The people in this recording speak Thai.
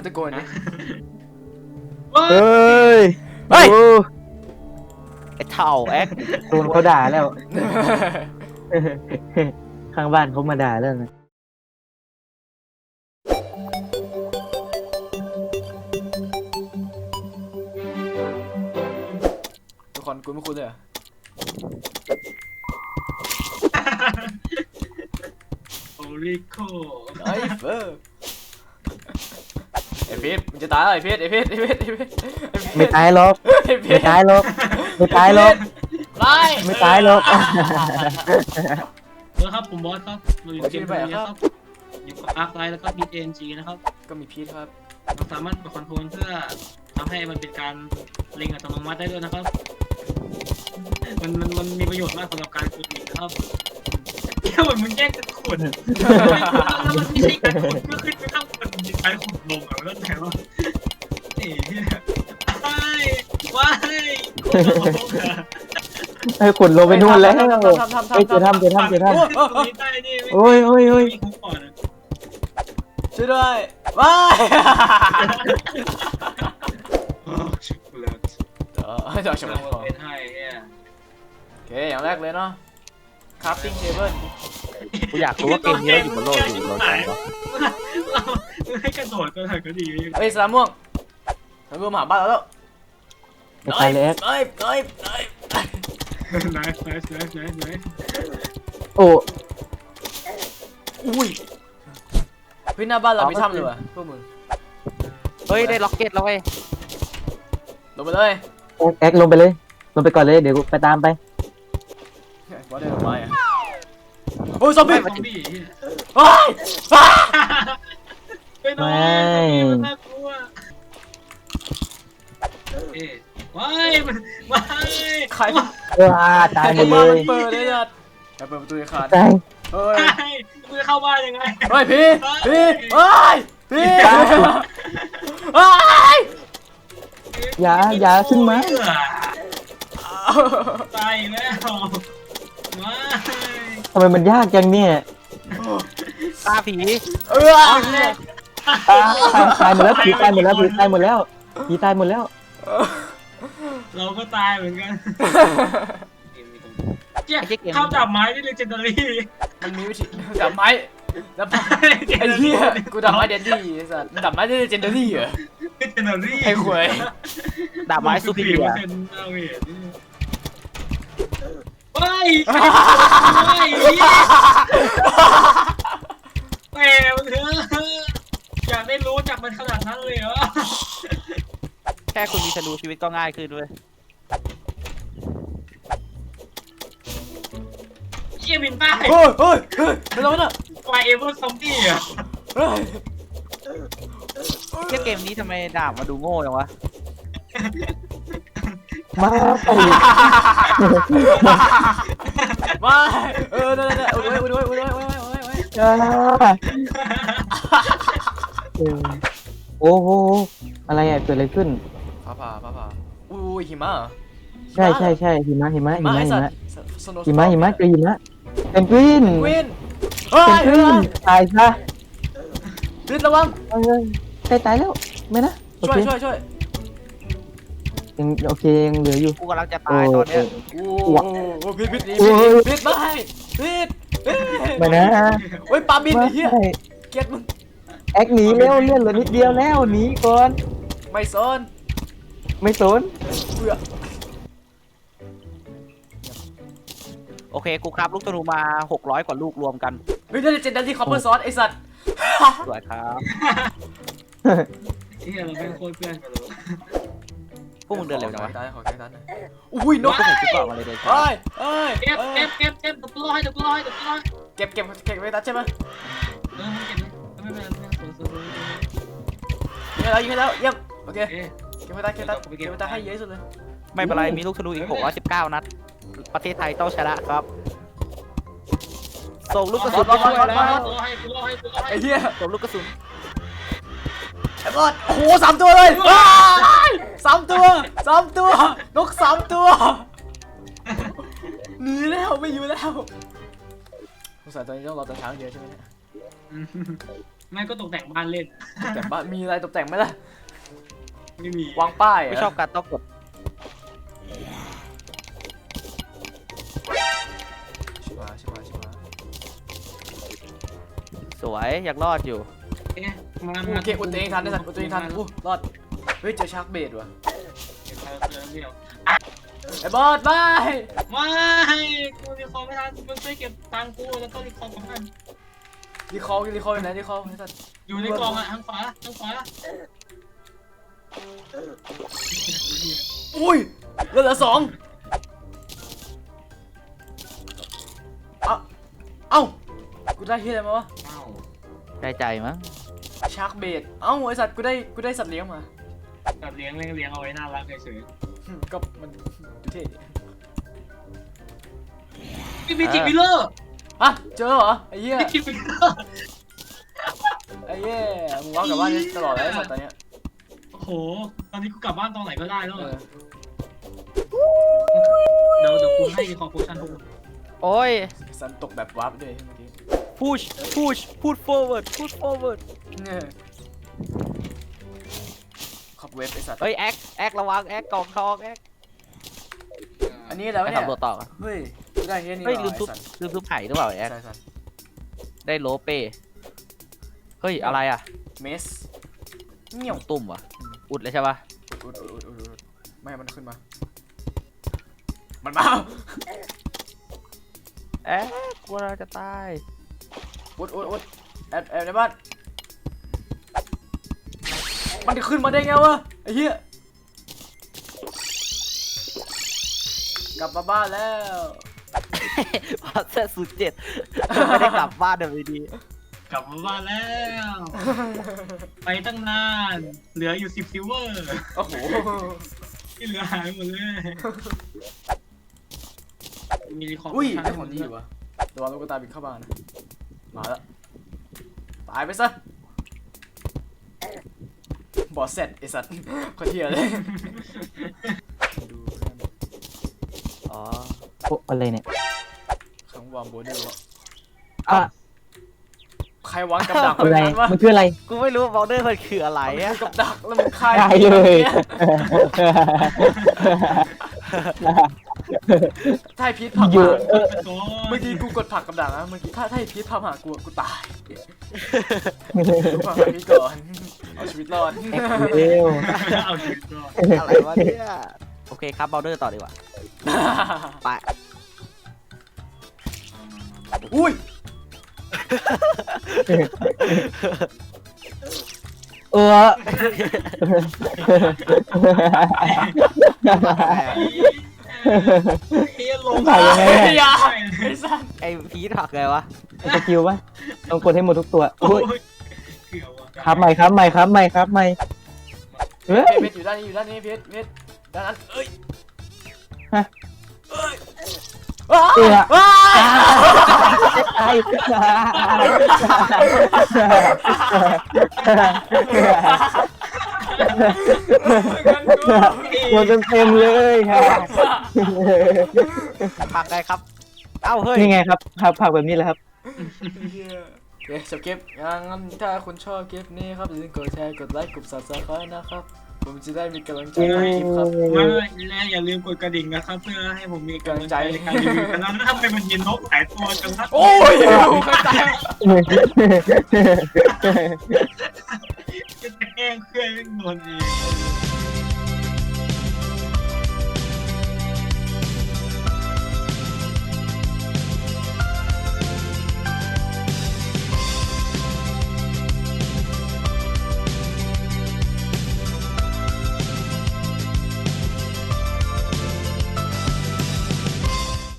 ตะโกนดิเฮ้ยเฮ้ยไอ้เท่าแอ๊กโดนเขาด่าแล้ว ข้างบ้านเขามาด่าแล้วนะทุกคนกูไม่คุ้นเลยเหรอโอริโคไอ้เฟอร์ไอ้พีทมึงจะตายแล้วไอ้พีทไอ้พีทไอ้พีทไอ้พีทไม่ตายหรอกไอ้พีไม่ทตายหรอกไม่ตายหรอกไล่ไม่ตายหรอกครับผมบอสครับเราอยู่เกมนี้ครับอยู่กับอาร์คไลท์แล้วก็ BNG นะครับก็มีพีทครับเราสามารถกดคอนโทรลเพื่อทำให้มันเป็นการเล็งอัตโนมัติได้ด้วยนะครับมันมีประโยชน์มากสำหรับการขุดหินนะครับแค่เหมือนมึงแยกกันขุดแล้วมันไม่ใช่การขุดก็ขึ้นไปข้างบนการขุดลงอ่ะแล้วแต่ว่าเอ๊ะว้ายให้ขุดลงไปนู่นแล้วทำเฮ้ยเจอถ้ำเจอถ้ำเจอถ้ำตรงนี้ใต้นี่โอ้ยโอ้ยโอ้ยมีคุกก่อนนะช่วยด้วยว้ายชุบเลยเดี๋ยวชมเราเป็นให้เนี่ยโอเคอย่างแรกเลยเนาะ crafting table กูอยากรู้ว่าเกมนี้เราอยู่บนโลกอยู่เราจังวะเราให้กระโดดก็ได้ก็ดีเฮ้ยสลามม่วงสลามม่วงมาหาบ้านเราแล้วไม่ตายเลยเฮ้ยนายโอ้อุ้ยเฮ้ยหน้าบ้านเรามีถ้ำเลยว่ะพวกมึงเฮ้ยได้ล็อกเก็ตแล้วเว้ยลงไปเลยแอ๊กลงไปเลย ลงไปก่อนเลยเดี๋ยวกูไปตามไปว่าได้ลงไปอ่ะโอ้ยซอมบี้ซอมบี้เฮ้ยไปนอนมันน่ากลัวเอ๊ะว้ายว้ายใครตายหมดเลบ้านมัยนเปิดเลยจัดเปิดประตูขาดตายเฮ้ยมึงจะเข้าบ้านยังไงเฮ้ยพี่เฮ้ยเฮ้ยอย่าขึ้นมาตายแล้วว้ายทำไมมันยากจังเนี่ยตาผีตายหมดแล้วผีตายหมดแล้วผีตายหมดแล้วผีตายหมดแล้วเราก็ตายเหมือนกันเจ๊ข้าวจับไม้นี่เลยเจนเนอรี่มันมีวิธีดับไม้ดับไอ้เหี้ยกูดับไม้เดนดี้สัสดับไม้ได้เจนเดอรี่เหรอเจนเนอรี่ไอ้ขวยดาบไม้ซูพิเลียว้ายแหมมันเถอะอยากได้รู้จักมันขนาดนั้นเลยเหรอแค่คุณมีธนูชีวิตก็ง่ายขึ้นด้วยเชี่ยบินใต้เฮ้ยไม่ต้องนะไฟเอเวอร์ซอมบี้อ่ะเทียบเกมนี้ทำไมดาบมาดูโง่จังวะมาไปมานั่นอุ้ยโอ้โหอะไรอ่ะเกิดอะไรขึ้นฟ้าผ่าอุ้ยหิมะใช่หิมะหิมะเจอหิมะเป็นกวินวินเป็นกวินตายซะพิษระวังตายแล้วไม่นะโอช่วยเคยังโอเคยังเหลืออยู่กูกำลังจะตายตอนเนี้ยโอ้พิษไม่ไม่นะเฮ้ยปลาบินไอ้เหี้ยเกลียดมึงแอคหนีแล้วเลื่อนเหลือนิดเดียวแล้วหนีก่อนไม่สนไม่สนเบื่อโอเคกูครับลูกธนูมา600กว่าลูกรวมกันเฮ้ยได้เจนดันที่คอปเปอร์ซอสไอสัตว์สวยครับที่เราเป็นโคตรเพื่อนกันเลยพวกมึงเดินเร็วจังวะขอแค่นั้นนะอุ้ยนกพวกมึงคิดว่ามาเลยเดินช้าเก็บเดี๋ยวกูรอให้เก็บไว้ตัดใช่ไหมมึงเก็บไม่เป็นไรสวยยิงให้แล้วเยี่ยมโอเคเอ๊ะเก็บไว้ตัดให้เยอะที่สุดเลยไม่เป็นไรมีลูกธนูอีก619นัดประเทศไทยต้องชนะครับส่งลูกกระสุนไปช่วยแล้วกูรอให้ไอ้เหี้ยส่งลูกกระสุนไอ้บอสโอ้โห3 ตัวเลย3 ตัวนก3 ตัวหนีแล้วไม่อยู่แล้วสงสัยตอนนี้ต้องรอตอนเช้าเดียวใช่ไหมเนี่ยไม่ก็ตกแต่งบ้านเล่นตกแต่งบ้านมีอะไรตกแต่งไหมล่ะไม่มีวางป้ายไม่ชอบการต้องกดชิบหายชิบหายชิบหายสวยยังรอดอยู่เอ๊ะมาโอเคอุดตัวเองทันได้สัตว์อุดตัวเองทันอู้รอดเฮ้ยเจอชาร์กเบดว่ะเดี๋ยวเดี๋ยวไอ้บอสบายไม่กูรีคอร์ไม่ทันมึงช่วยเก็บตังค์กูแล้วก็รีคอร์ของมันรีคอร์อยู่ไหนรีคอร์ไอ้สัตว์อยู่ในกล่องอ่ะทางขวาอุ้ยเหลือ2เอ้ากูได้เฮียอะไรมาวะอ้าวได้ใจมั้งชาร์กเบดเอ้าไอสัตว์กูได้สัตว์เลี้ยงมาแบบเลี้ยงเอาไว้น่ารักเฉยก็มันดูเท่ดิๆพี่จิมิเลอร์ฮะเจอเหรอไอ้เหี้ยพี่จิมิเลอร์ไอ้เหี้ยมึงว้าวกลับบ้านได้ตลอดเลยไอ้สัตว์ตอนเนี้ยโอ้โหตอนนี้กูกลับบ้านตอนไหนก็ได้แล้วเออเดี๋ยวกูให้รีคอร์โพชั่นทุกคนโอ้ยสันตกแบบวาร์ปด้วยเมื่อกี้ push push forward push forward เนี่ยขับเว็บไอ้สัตว์เฮ้ยแอคระวังแอคกล่องทองแอคอันนี้แล้วไปเนี่ยทำตัวต่อกันเฮ้ยกูได้เฮียนี่เฮ้ยว่ะลืมไอ้ซุปสัตว์ลืมซุปไห่หรือเปล่าแอคใช่สัตว์ได้โลเป้เฮ้ยอะไรอ่ะเมสเงี้ยวตุ่มวะอุดเลยใช่ปะอุดไม่ให้มันขึ้นมามันมาแอ๊ะกลัวเราจะตายอุดแอบในบ้านมันจะขึ้นมาได้ไงวะไอ้เหี้ยกลับมาบ้านแล้วพอเซต07ไม่ได้กลับบ้านเดี๋ยวดีกลับมาบ้านแล้ว ไปตั้งนาน เหลืออยู่10ซิลเวอร์โอ้โหที่เหลือหายหมดเลย มีรีคอร์อุ้ยได้ของดีอยู่วะระวังลูกตาบินเข้าบ้านนะมาแล้วตายไปซะบอสเสร็จไอสัตว์คนเที่ยเลยดูนั่นอ๋อโอ้อะไรเนี่ยคำวางโบเดอร์อ่ะใครวางกับดักอะไรไว้นั้นวะมันคืออะไรกูไม่รู้บอลเดอร์มันคืออะไรมันอะคือกับดักแล้วมึงคายได้เลยถ้าไอ้พีทผลักอยู่มาโอ้เมื่อกี้กูกดผลักกับดักนะเมื่อกี้ถ้าไอ้พีทผลักหากูตายกูผลักหาพีทก่อนเอาชีวิตรอดเร็วเอาชีวิตรอดอะไรวะเนี่ยโอเคครับบอลเดอร์ต่อดีกว่าไปอุ้ยเออเฮียลงใส่ยังไงไอ้อะยาไอ้สัสไอพีทหักไงวะสกิลปะต้องกดให้หมดทุกตัวโอ้อุ้ยยเกือบว่ะครับใหม่เฮ้ยเพชรอยู่ด้านนี้เพชรด้านนั้นเอ้ยฮะเอ้ยเอื้อว้ายตายหมดเต็มเลยค่ะหักไงครับ เอ้าเฮ้ยนี่ไงครับผักแบบนี้แหละครับโอเคจบคลิปงั้นถ้าคุณชอบคลิปนี้ครับอย่าลืมกดแชร์กดไลค์กด subscribe นะครับผมจะได้มีกำลังใจทำคลิปครับและอย่าลืมกดกระดิ่งนะครับ เพื่อให้ผมมีกำลังใจในการรีวิวกันแล้วทำไมมันยินนกหลายตัวจังครับโอ้ยใครตายจะแกล้งเพื่อนไม่โดนเอง